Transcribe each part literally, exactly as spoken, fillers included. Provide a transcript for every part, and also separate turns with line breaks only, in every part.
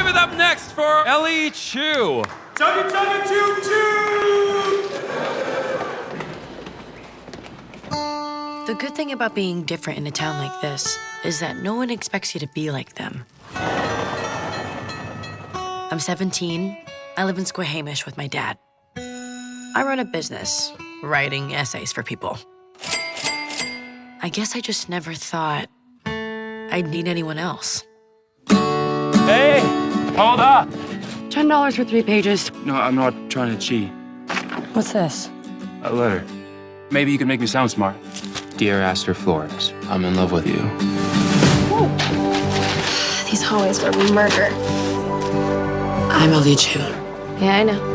it up next for Ellie Chu.
Chugga chugga choo choo!
The good thing about being different in a town like this is that no one expects you to be like them. I'm seventeen. I live in Squamish with my dad. I run a business, writing essays for people. I guess I just never thought I'd need anyone else.
Hey, hold up.
ten dollars for three pages.
No, I'm not trying to cheat.
What's this?
A letter. Maybe you can make me sound smart.
Dear Aster Flores, I'm in love with you.
These hallways were murder.
I'm Ellie Chu.
Yeah, I know.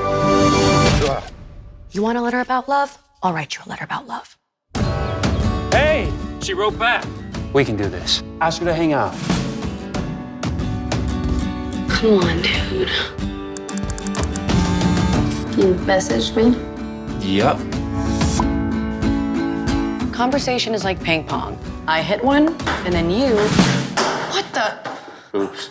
You want a letter about love? I'll write you a letter about love.
Hey, she wrote back. We can do this. Ask her to hang out.
Come on, dude. You messaged me?
Yup.
Conversation is like ping pong. I hit one, and then you... What the?
Oops.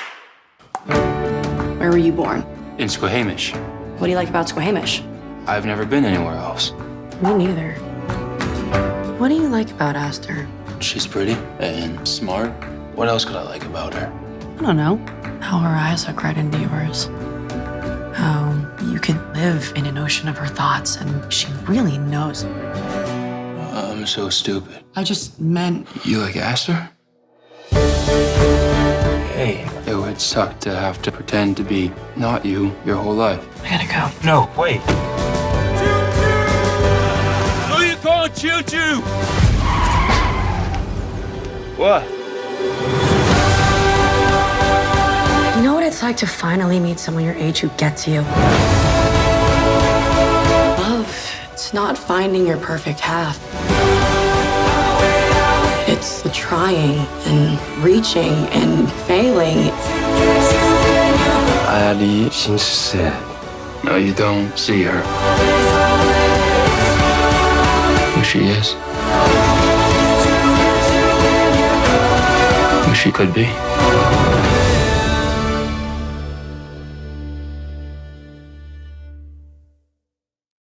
Where were you born?
In Squamish.
What do you like about Squamish?
I've never been anywhere else.
Me neither. What do you like about Aster?
She's pretty and smart. What else could I like about her?
I don't know. How her eyes look right into yours. How you could live in an ocean of her thoughts, and she really knows.
I'm so stupid.
I just meant...
You like Aster?
Hey.
It would suck to have to pretend to be not you your whole life.
I gotta go.
No, wait. Who you calling Choo Choo? What?
You know what it's like to finally meet someone your age who gets you? Love, it's not finding your perfect half. It's the trying and reaching and failing.
艾莉心是 sad. No, you don't see her. Who she is. Who she could be.